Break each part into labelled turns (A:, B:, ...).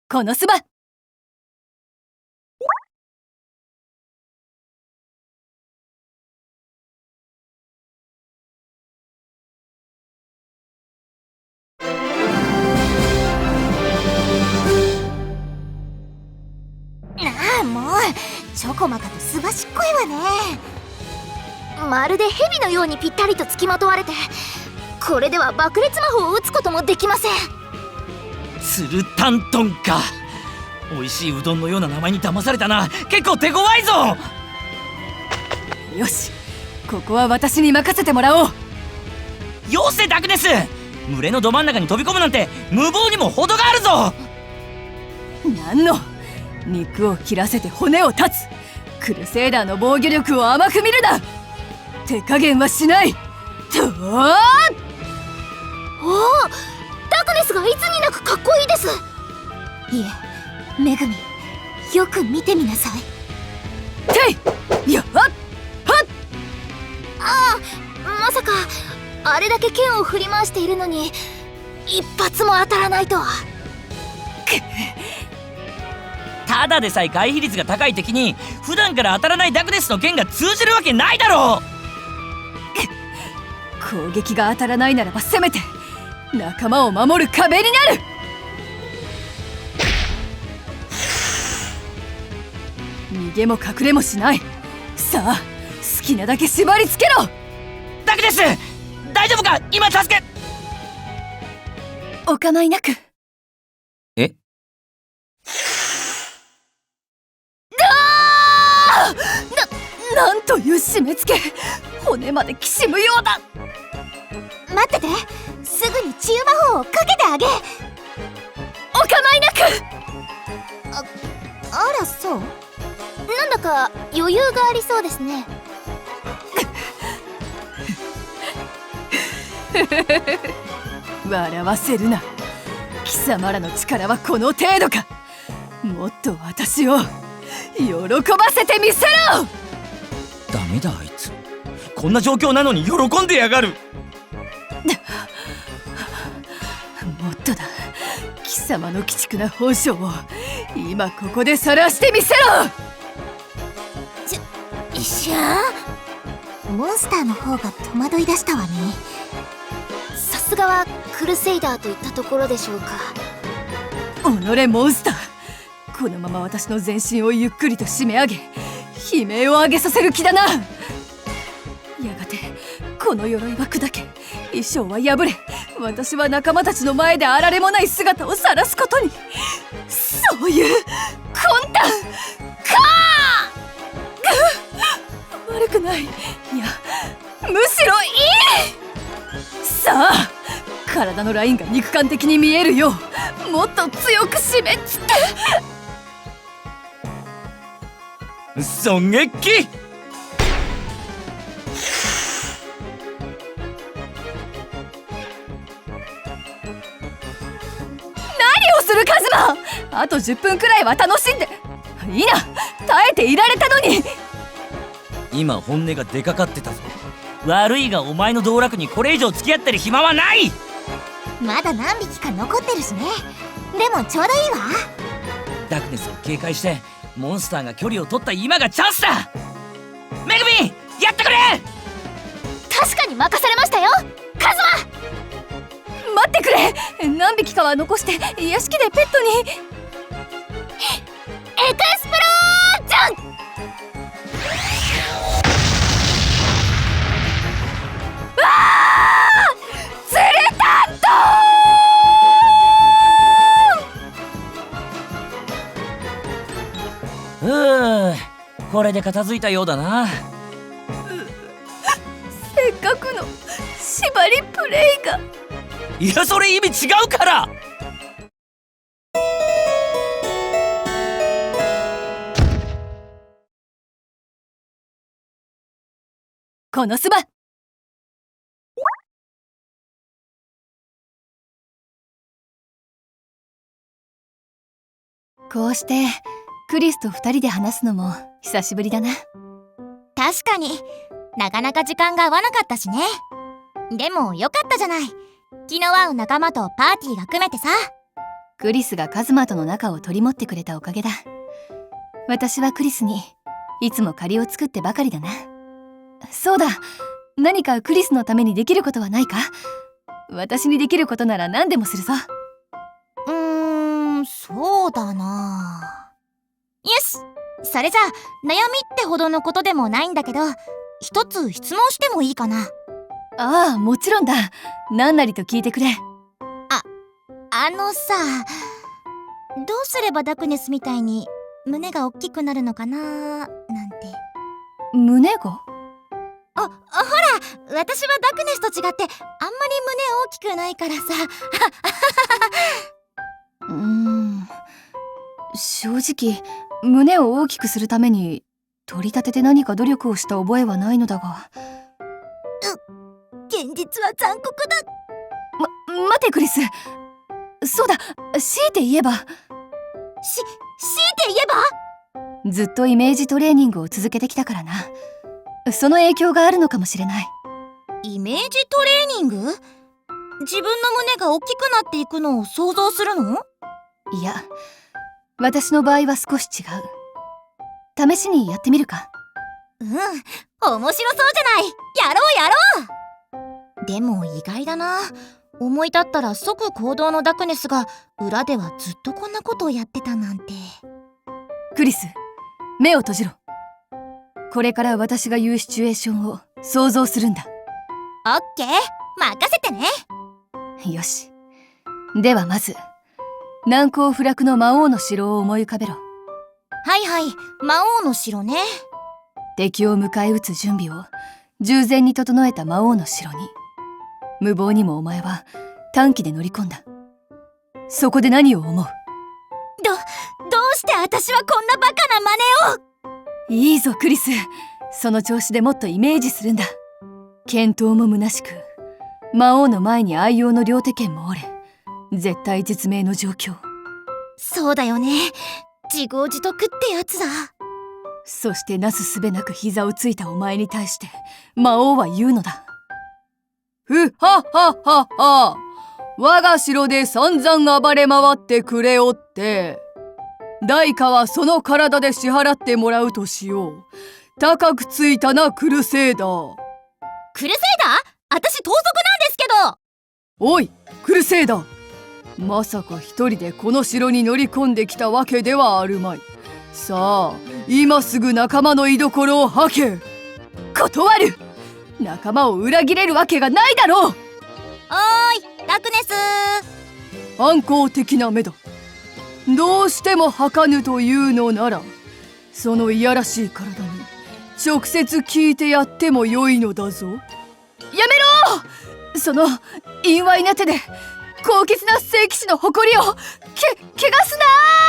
A: このスバ。
B: もうチョコマカとすばしっこいわね。まるで蛇のようにぴったりとつきまとわれて、これでは爆裂魔法を打つこともできません。
C: ツルタントンか。美味しいうどんのような名前に騙されたな。結構手強いぞ。
A: よし、ここは私に任せてもらおう。
C: よせダクネス、群れのど真ん中に飛び込むなんて無謀にも程があるぞ。
A: なんの肉を切らせて骨を断つ。クルセイダーの防御力を甘く見るな。手加減はしない。とー。
B: おお、ダクネスがいつになくかっこいいです。いえ、めぐみ、よく見てみなさい。
A: ていやっはっ。
B: ああ、まさかあれだけ剣を振り回しているのに一発も当たらないとは。
C: ただでさえ回避率が高い敵に普段から当たらないダクネスの剣が通じるわけないだろう。
A: 攻撃が当たらないならばせめて仲間を守る壁になる。逃げも隠れもしない。さあ、好きなだけ縛りつけろ。
C: ダクネス、大丈夫か。今助け。
A: お構いなく。
C: え、
A: なんという締め付け。骨まできしむようだ。
B: 待ってて、すぐに治癒魔法をかけてあげ。
A: お構いなく。
B: あら、そう。なんだか余裕がありそうですね。
A: 笑わせるな。貴様らの力はこの程度か。もっと私を喜ばせてみせろ。
C: ダメだあいつ、こんな状況なのに喜んでやがる。
A: もっとだ。貴様の鬼畜な本性を今ここで晒してみせろ。
B: 一瞬モンスターの方が戸惑い出したわね。さすがはクルセイダーといったところでしょうか。
A: 己モンスター、このまま私の全身をゆっくりと締め上げ悲鳴を上げさせる気だな。やがてこの鎧は砕け、衣装は破れ、私は仲間たちの前であられもない姿を晒すことに。そういう魂胆かー。悪くない。いや、むしろいい。さあ、体のラインが肉感的に見えるようもっと強く締めつって。
C: 狙撃。
A: 何をするカズマ。あと10分くらいは楽しんでいいな。耐えていられたのに。
C: 今本音が出かかってたぞ。悪いがお前の道楽にこれ以上付き合ってる暇はない。
B: まだ何匹か残ってるしね。でもちょうどいいわ。
C: ダクネスを警戒してモンスターが距離を取った今がチャンスだ。めぐみ、やってくれ。
B: 確かに任されましたよ、カズマ。
A: 待ってくれ。何匹かは残して屋敷でペットに。
B: エクスプロージョン。
A: ツルタント
C: これで片付いたようだな。
A: せっかくの縛りプレイが。
C: いや、それ意味違うから。
A: このスバ。こうしてクリスと2人で話すのも久しぶりだな。
B: 確かになかなか時間が合わなかったしね。でもよかったじゃない。気の合う仲間とパーティーが組めてさ。
A: クリスがカズマとの仲を取り持ってくれたおかげだ。私はクリスにいつも借りを作ってばかりだな。そうだ、何かクリスのためにできることはないか？私にできることなら何でもするぞ。
B: そうだな。よし、それじゃあ悩みってほどのことでもないんだけど、一つ質問してもいいかな？
A: ああ、もちろんだ。何なりと聞いてくれ。
B: あのさ、どうすればダクネスみたいに胸が大きくなるのかななんて。
A: 胸が？
B: ほら、私はダクネスと違ってあんまり胸大きくないからさ。
A: 正直胸を大きくするために取り立てて何か努力をした覚えはないのだが。
B: 現実は残酷だ。
A: 待てクリス。そうだ、強いて言えば。
B: 強いて言えば？
A: ずっとイメージトレーニングを続けてきたからな。その影響があるのかもしれない。
B: イメージトレーニング？自分の胸が大きくなっていくのを想像するの？
A: いや、私の場合は少し違う。試しにやってみるか？
B: 面白そうじゃない。やろうやろう。でも意外だな。思い立ったら即行動のダクネスが裏ではずっとこんなことをやってたなんて。
A: クリス、目を閉じろ。これから私が言うシチュエーションを想像するんだ。
B: オッケー、任せてね。
A: よし。ではまず難攻不落の魔王の城を思い浮かべろ。
B: はいはい、魔王の城ね。
A: 敵を迎え撃つ準備を従前に整えた魔王の城に、無謀にもお前は短期で乗り込んだ。そこで何を思う？
B: どうして私はこんなバカな真似を？
A: いいぞクリス、その調子でもっとイメージするんだ。健闘も虚しく、魔王の前に愛用の両手剣も折れ、絶体絶命の状況。
B: そうだよね、自業自得ってやつだ。
A: そしてなすすべなく膝をついたお前に対して魔王は言うのだ。ふはははは、我が城で散々暴れ回ってくれおって、代価はその体で支払ってもらうとしよう。高くついたな、クルセイダー。
B: クルセイダー？私盗賊なんですけど。
A: おいクルセイダー、まさか一人でこの城に乗り込んできたわけではあるまい。さあ今すぐ仲間の居所を吐け。断る。仲間を裏切れるわけがないだろう。
B: おーいダクネス。
A: 反抗的な目だ。どうしても吐かぬというのなら、そのいやらしい体に直接聞いてやってもよいのだぞ。やめろ。その陰猥な手で高潔な聖騎士の誇りを汚すな。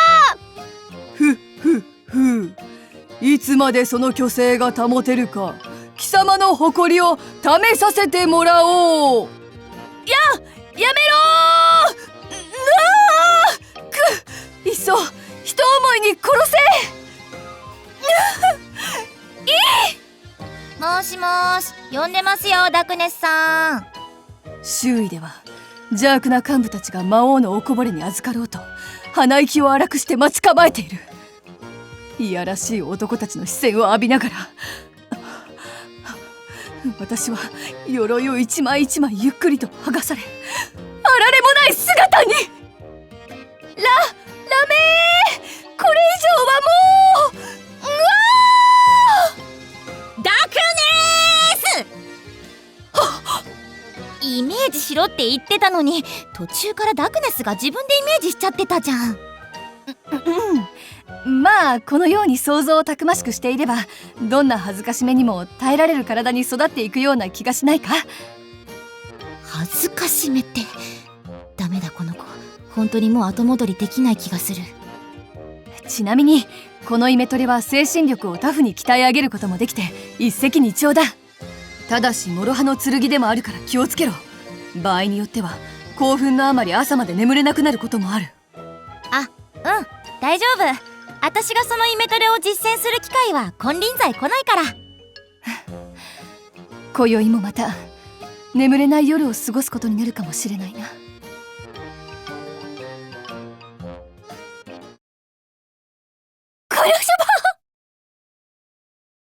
A: ふいつまでその虚勢が保てるか、貴様の誇りを試させてもらおう。やめろー。いっそ一思いに殺せ。
B: もしもーし、呼んでますよダクネスさん。
A: 周囲では邪悪な幹部たちが魔王のおこぼれに預かろうと鼻息を荒くして待ち構えている。いやらしい男たちの視線を浴びながら、私は鎧を一枚一枚ゆっくりと剥がされ、あられもない姿に。ラメー、これ以上はもう。
B: ダクネースイメージしろって言ってたのに、途中からダクネスが自分でイメージしちゃってたじゃん。
A: まあこのように想像をたくましくしていれば、どんな恥ずかしめにも耐えられる体に育っていくような気がしないか？
B: 恥ずかしめって。ダメだこの子、本当にもう後戻りできない気がする。
A: ちなみにこのイメトレは精神力をタフに鍛え上げることもできて一石二鳥だ。ただし諸刃の剣でもあるから気をつけろ。場合によっては興奮のあまり朝まで眠れなくなることもある。
B: 大丈夫。私がそのイメトレを実践する機会は金輪際来ないから。
A: 今宵もまた眠れない夜を過ごすことになるかもしれないな。 役者ば